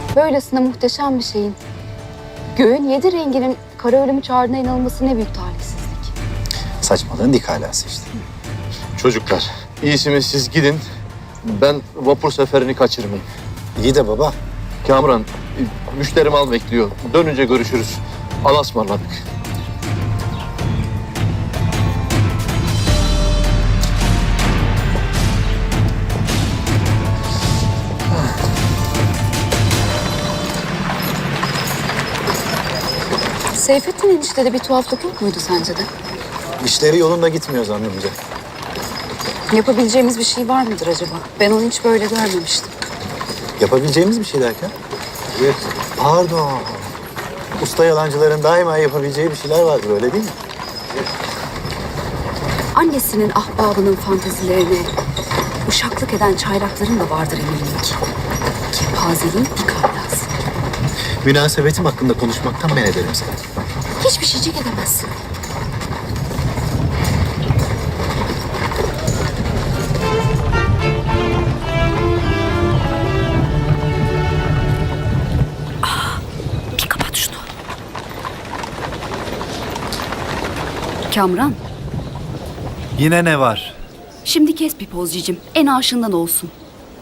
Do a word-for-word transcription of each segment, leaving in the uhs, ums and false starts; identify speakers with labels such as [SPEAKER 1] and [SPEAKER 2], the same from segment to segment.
[SPEAKER 1] Böylesine muhteşem bir şeyin göğün yedi renginin kara ölümü çağrına inanılması ne büyük talihsizlik.
[SPEAKER 2] Saçmalığın dik alası işte.
[SPEAKER 3] Çocuklar, iyisi mi siz gidin. Ben vapur seferini kaçırmayayım.
[SPEAKER 2] İyi de baba.
[SPEAKER 3] Kamran, müşterim al bekliyor. Dönünce görüşürüz. Allah'a ısmarladık.
[SPEAKER 1] Seyfettin eniştede bir tuhaflık yok muydu sence de?
[SPEAKER 2] İşleri yolunda gitmiyor zannımca.
[SPEAKER 1] Yapabileceğimiz bir şey var mıdır acaba? Ben onu hiç böyle görmemiştim.
[SPEAKER 2] Yapabileceğimiz bir şey derken? Evet. Pardon. Usta yalancıların daima yapabileceği bir şeyler vardır, öyle değil mi?
[SPEAKER 1] Annesinin ahbabının fantezilerine uşaklık eden çaylakların da vardır eminim ki. Kepazeliğin dik alası.
[SPEAKER 2] Münasebetim hakkında konuşmaktan men ederim seni.
[SPEAKER 1] Hiçbir şeycik edemezsin. Bir kapat şunu. Kamran,
[SPEAKER 4] Yine ne var?
[SPEAKER 1] şimdi kes bir pozcicim. En aşığından olsun.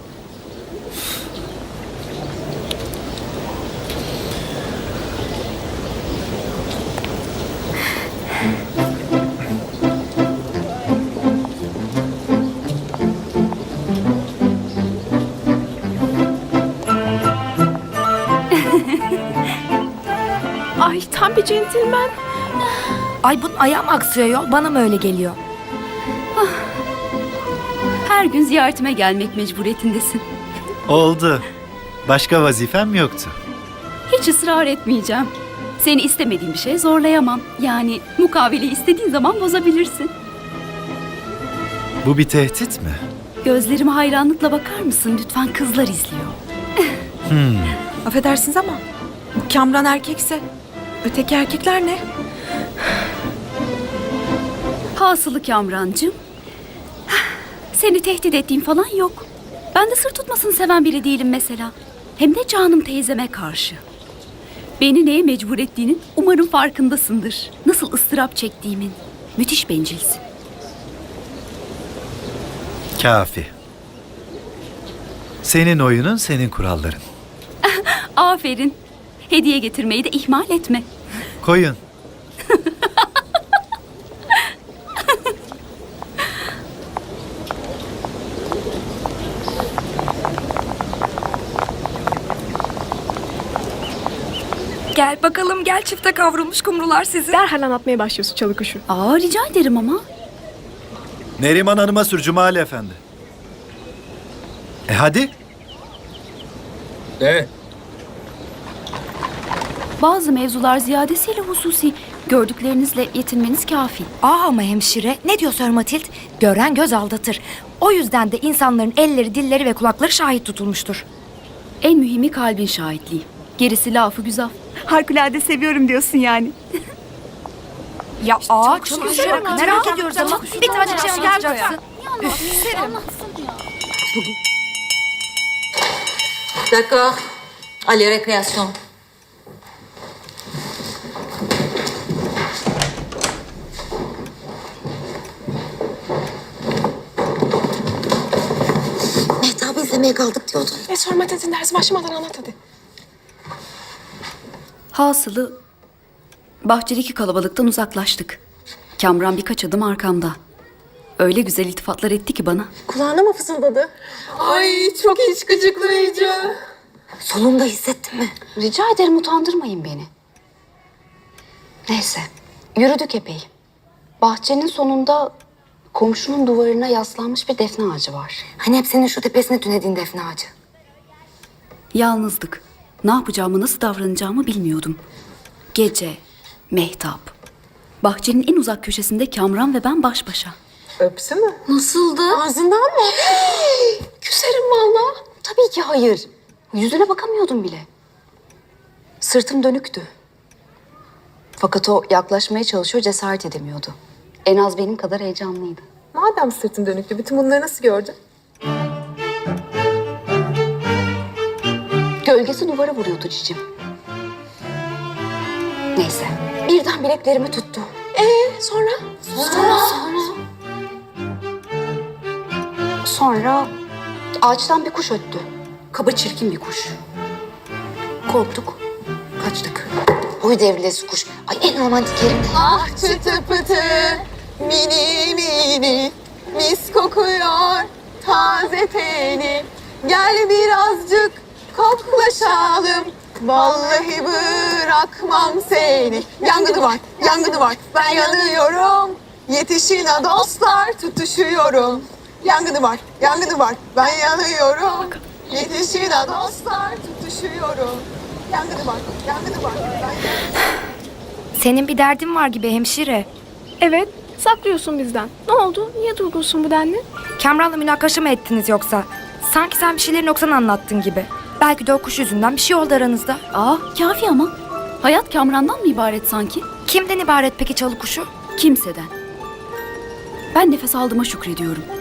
[SPEAKER 5] Ay tam bir centilmen.
[SPEAKER 6] Ay bunun ayağı mı aksıyor yol? Bana mı öyle geliyor?
[SPEAKER 1] Her gün ziyaretime gelmek mecburiyetindesin.
[SPEAKER 4] Oldu. Başka vazifem yoktu.
[SPEAKER 1] Hiç ısrar etmeyeceğim. Seni istemediğim bir şeye zorlayamam. Yani mukaveleyi istediğin zaman bozabilirsin.
[SPEAKER 4] Bu bir tehdit mi?
[SPEAKER 1] Gözlerime hayranlıkla bakar mısın? Lütfen, kızlar izliyor.
[SPEAKER 5] Affedersiniz ama bu Kamran erkekse öteki erkekler ne?
[SPEAKER 1] Hasılı Kamrancığım. Seni tehdit ettiğim falan yok. Ben de sır tutmasını seven biri değilim mesela. Hem de canım teyzeme karşı. Beni neye mecbur ettiğinin umarım farkındasındır. Nasıl ıstırap çektiğimin. Müthiş bencilsin.
[SPEAKER 4] Kafi. Senin oyunun, senin kuralların.
[SPEAKER 1] Aferin. Hediye getirmeyi de ihmal etme.
[SPEAKER 4] Koyun.
[SPEAKER 6] Gel bakalım gel çifte kavrulmuş kumrular sizi.
[SPEAKER 5] Derhal anlatmaya başlıyorsun çalı kuşu.
[SPEAKER 1] Aa, rica ederim ama.
[SPEAKER 4] Neriman Hanım'a sür Cumali Efendi. E hadi.
[SPEAKER 3] Ne?
[SPEAKER 1] Bazı mevzular ziyadesiyle hususi. Gördüklerinizle yetinmeniz kafi.
[SPEAKER 6] Aa ama hemşire ne diyor Sir Matild? Gören göz aldatır. O yüzden de insanların elleri, dilleri ve kulakları şahit tutulmuştur.
[SPEAKER 1] En mühimi kalbin şahitliği. Gerisi lafı güzel. Harikulade seviyorum diyorsun yani.
[SPEAKER 6] Ya aa çok güzel. Merak ediyoruz ama bir tane şey anlatacaksın.
[SPEAKER 7] D'accord. Allez, récréation. Mehtap'ı izlemeye kaldık diyordun.
[SPEAKER 5] E sorma dedin ders başlamadan anlat hadi.
[SPEAKER 1] Hasılı bahçedeki kalabalıktan uzaklaştık. Kamran birkaç adım arkamda. Öyle güzel iltifatlar etti ki bana.
[SPEAKER 5] Kulağına mı fısıldadı? Ay çok iç gıcıklayıcı.
[SPEAKER 7] Solunda hissettin mi?
[SPEAKER 1] Rica ederim, utandırmayın beni. Neyse, yürüdük epey. Bahçenin sonunda komşunun duvarına yaslanmış bir defne ağacı var.
[SPEAKER 7] Hani hep senin şu tepesine tünediğin defne ağacı.
[SPEAKER 1] Yalnızdık. Ne yapacağımı, nasıl davranacağımı bilmiyordum. Gece, mehtap. Bahçenin en uzak köşesinde Kamran ve ben baş başa.
[SPEAKER 5] Öpsü mü?
[SPEAKER 1] Nasıldı?
[SPEAKER 5] Ağzından mı? Küserim valla.
[SPEAKER 1] Tabii ki hayır. Yüzüne bakamıyordum bile. Sırtım dönüktü. Fakat o yaklaşmaya çalışıyor, cesaret edemiyordu. En az benim kadar heyecanlıydı.
[SPEAKER 5] Madem sırtın dönüktü bütün bunları nasıl gördün?
[SPEAKER 7] Gölgesi duvara vuruyordu cicim. Neyse. Birden bileklerimi tuttu. Ee sonra? Sonra? Sonra. Sonra ağaçtan bir kuş öttü. Kaba çirkin bir kuş. Korktuk. Kaçtık. Boy devrilesi kuş. Ay en romantik yerim.
[SPEAKER 8] Ah çıtı pıtı, mini mini, mis kokuyor taze teni. Gel birazcık koklaşalım, vallahi bırakmam seni. Yangını var, yangını var, ben yanıyorum. Yetişin ha dostlar, tutuşuyorum. Yangını var, yangını var, ben yanıyorum. Yetişin ha dostlar, tutuşuyorum. Yangını var, yangını var, ben yanıyorum.
[SPEAKER 6] Senin bir derdin var gibi hemşire.
[SPEAKER 9] Evet, saklıyorsun bizden. Ne oldu? Niye durgunsun bu denli?
[SPEAKER 6] Kamran'la münakaşa mı ettiniz yoksa? Sanki sen bir şeyleri noksan anlattın gibi. Belki de o kuş yüzünden bir şey oldu aranızda.
[SPEAKER 1] Aa, kafi ama. Hayat Kamran'dan mı ibaret sanki?
[SPEAKER 6] Kimden ibaret peki çalı kuşu?
[SPEAKER 1] Kimseden. Ben nefes aldığıma şükrediyorum.